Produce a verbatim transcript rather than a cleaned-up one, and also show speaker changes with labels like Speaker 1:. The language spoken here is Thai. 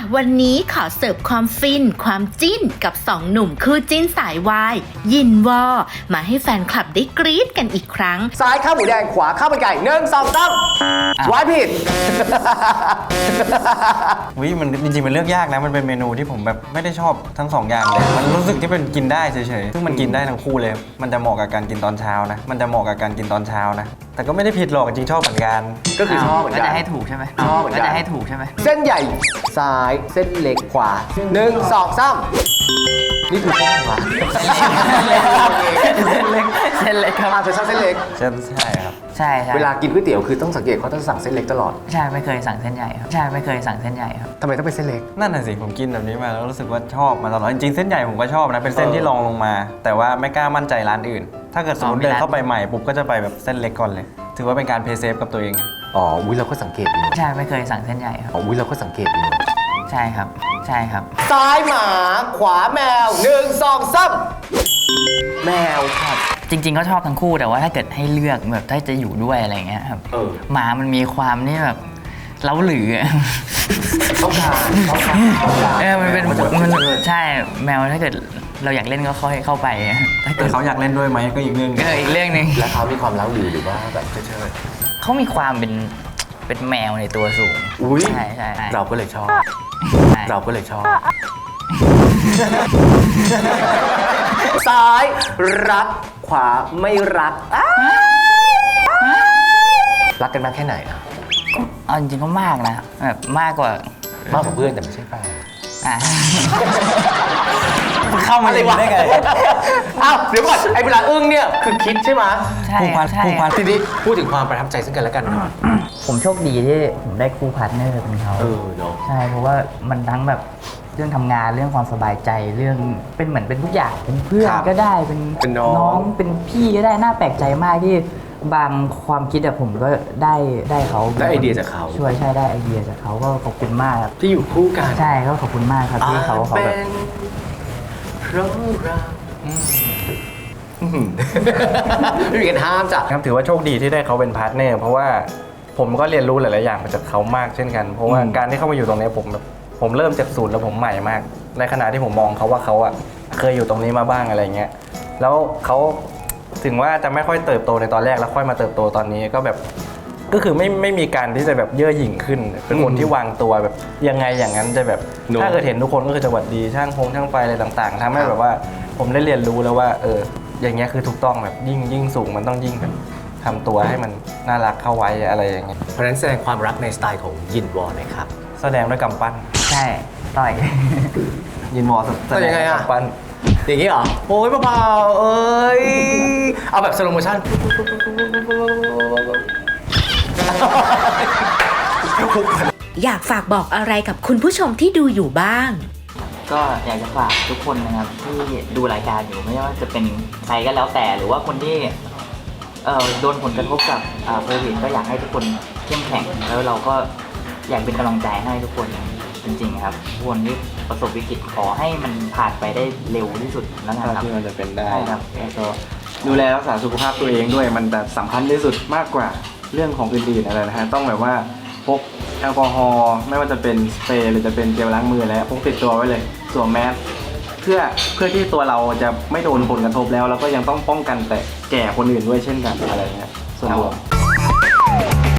Speaker 1: วันนี้ขอเสิร์ฟความฟินความจิ้นกับสองหนุ่มคู่จิ้นสายวายยินวอมาให้แฟนคลับได้กรี๊ดกันอีกครั้ง
Speaker 2: ซ้ายข้าวหมูแดงขวาข้าวมันไก่หนึ่งสองสามไว้ผิด
Speaker 3: วิมันจริงๆมันเลือกยากนะมันเป็นเมนูที่ผมแบบไม่ได้ชอบทั้งสองอย่างเลยมันรู้สึกที่เป็นกินได้เฉยๆซึ่งมันกินได้ทั้งคู่เลยมันจะเหมาะกับการกินตอนเช้านะมันจะเหมาะกับการกินตอนเช้านะแต่ก็ไม่ได้ผิดหรอกจริงๆชอบเหมือนกัน
Speaker 2: ก็คือชอบเหมือนกัน
Speaker 4: ก็จะให้ถูกใช่ไหม
Speaker 2: ชอบเหมือนกัน
Speaker 4: ก็จะให้ถูกใช่ไหม
Speaker 2: เส้นใหญ่ซ้ายเส้นเล็กขวาหนึ่งสองสามนี่คือเส้นขวา
Speaker 4: เส้นเล็กเส้นเล็กครับ
Speaker 2: อาจจะชอบเส้นเล็ก
Speaker 3: ใช่ใช่ครับ
Speaker 4: ใช่ใช่
Speaker 2: เวลากินก๋วยเตี๋ยวคือต้องสังเกตเขาต้องสั่งเส้นเล็กตลอด
Speaker 4: ใช่ไม่เคยสั่งเส้นใหญ่ครับใช่ไม่เคยสั่งเส้นใหญ่ครับ
Speaker 2: ทำไมต้องเป็นเส้นเล็ก
Speaker 3: นั่นน่ะสิผมกินแบบนี้มาแล้วรู้สึกว่าชอบมาตลอดจริงๆเส้นใหญ่ผมก็ชอบนะเป็นเส้นที่รองลงมาแต่ว่าไม่กล้ามั่นใจร้านอื่นถ้าเกิดสมมติเดินเข้าไปใหม่ปุ๊บก็จะไปแบบเส้นเล็กก่อนเลยถือว่าเป็นการเพย์เซฟกับตัวเอง
Speaker 2: อ๋ออุ้ยเราก็สังเกตอยู่
Speaker 4: ใช่ไม่เคยสั่งเส้นใหญ่ครับ
Speaker 2: อ๋ออุ้ยเราก็สังเกตอยู่
Speaker 4: ใช่ครับใช่ครับ
Speaker 2: ซ้ายหมาขวาแมวหนึ่งสองสามแมวครับ
Speaker 4: จริงๆก็ชอบทั้งคู่แต่ว่าถ้าเกิดให้เลือกแบบถ้าจะอยู่ด้วยอะไรเงี้ยครับหมามันมีความนี่แบบเล้าหลือ
Speaker 2: ต้องการต้องการ
Speaker 4: เออมันเป็นมันใช่แมวถ้าเกิดเราอยากเล่นก็ค่อยเข้าไป
Speaker 3: ถ้าเกิดเขาอยากเล่นด้วยไหมก็อีกเรื่อง
Speaker 4: ก็อีกเรื่องนึง
Speaker 2: แล้วเขามีความเล้าหลือหรือว่าแบบเฉย
Speaker 4: ๆเขามีความเป็นเป็นแมวในตัวสูง
Speaker 2: อุ้ย
Speaker 4: ใช่ใช่
Speaker 2: เราก็เลยชอบเราก็เลยชอบซ้ายรักขวาไม่รักรักกันมากแค่ไหนอ่ะ
Speaker 4: เอาจริงๆก็มากนะแบบมากกว่าม
Speaker 2: ากกว่าเพื่อนแต่ไม่ใช่แฟน
Speaker 4: อ่ะ
Speaker 3: เข้ามาเลยได้ไง
Speaker 2: อ้าวเดี๋ยวก่อนไอ้เวลาอึ้งเนี่ยคือคิดใช่ไหม
Speaker 4: ใช่ใช่
Speaker 2: ทีนี้พูดถึงความประทับใจซึ่งกันและกัน
Speaker 4: ผมโชคดีที่ผมได้คู่พาร์ทเนอร์เป็นเขา
Speaker 2: เออเนาะ
Speaker 4: ใช่เพราะว่ามันทั้งแบบเรื่องทำงานเรื่องความสบายใจเรื่องเป็นเหมือนเป็นทุกอย่างเป็นเพื่อนก็ได้เป็นน้องเป็นพี่ก็ได้น่าแปลกใจมากที่บางความคิดอะผมก็ได้ได้เขา
Speaker 2: ได้ไอเดียจากเขา
Speaker 4: ช่วยใช่ได้ไอเดียจากเขาก็ขอบคุณมากครับ
Speaker 2: ที่อยู่คู่กัน
Speaker 4: ใช่ก็ขอบคุณมากครับที่เขาเขาแบบ
Speaker 2: เพราะเราไม่มีการห้ามจ้ะ
Speaker 3: ครับถือว่าโชคดีที่ได้เขาเป็นพาร์ทเนอร์เพราะว่าผมก็เรียนรู้หลายๆอย่างมาจากเขามากเช่นกันเพราะว่าการที่เข้ามาอยู่ตรงนี้ผมแบบผมเริ่มจากศูนย์แล้วผมใหม่มากในขณะที่ผมมองเขาว่าเขาอะเคยอยู่ตรงนี้มาบ้างอะไรเงี้ยแล้วเขาถึงว่าจะไม่ค่อยเติบโตในตอนแรกแล้วค่อยมาเติบโตตอนนี้ก็แบบก็คือไม่ไม่มีการที่จะแบบเย่อหยิ่งขึ้นเป็นคนที่วางตัวแบบยังไงอย่างนั้นจะแบบถ้าเกิดเห็นทุกคนก็คือจะหวัดดีช่างพงช่างไฟอะไรต่างๆทำให้แบบว่าผมได้เรียนรู้แล้วว่าเอออย่างเงี้ยคือถูกต้องแบบยิ่งยิ่งสูงมันต้องยิ่งแบบทำตัวให้มันน่ารักเข้าไว้อะไรอย่างเงี้ย
Speaker 2: เพราะฉะนั้นแสดงความรักในสไตล์ของยินวอลเลยครับ
Speaker 3: แสดงด้วยกำปั้น
Speaker 4: ใช่ต่อย
Speaker 3: ยินวอลแสดงด้วยกำปั้น
Speaker 2: อย่างนี้เหรอโอ้ยเบาๆเอ้ยเอาแบบสโลโมชั่น
Speaker 1: อยากฝากบอกอะไรกับคุณผู้ชมที่ดูอยู่บ้าง
Speaker 4: ก็อยากจะฝากทุกคนนะครับที่ดูรายการอยู่ไม่ว่าจะเป็นใครก็แล้วแต่หรือว่าคนที่เอ่อโดนผลกระทบกับโควิดก็อยากให้ทุกคนเข้มแข็งแล้วเราก็อยากเป็นกำลังใจให้ทุกคนจริงๆครับทุกคนที่ประสบวิกฤตขอให้มันผ่านไปได้เร็วที่สุดแล้วนะครับ
Speaker 3: ที่มันจะเป็นได้
Speaker 4: ครับแล้วก็
Speaker 3: ดูแลรักษาสุขภาพตัวเองด้วยมันแบบสำคัญที่สุดมากกว่าเรื่องของอื่นๆอะไรนะฮะต้องแบบว่าพกแอลกอฮอล์ไม่ว่าจะเป็นสเปรย์หรือจะเป็นเจลล้างมือแล้วพกติดตัวไว้เลยสวมแมสเพื่อเพื่อที่ตัวเราจะไม่โดนผลกระทบแล้วแล้วก็ยังต้องป้องกันแต่แก่คนอื่นด้วยเช่นกันอะไรเงี้ยส่วนรวม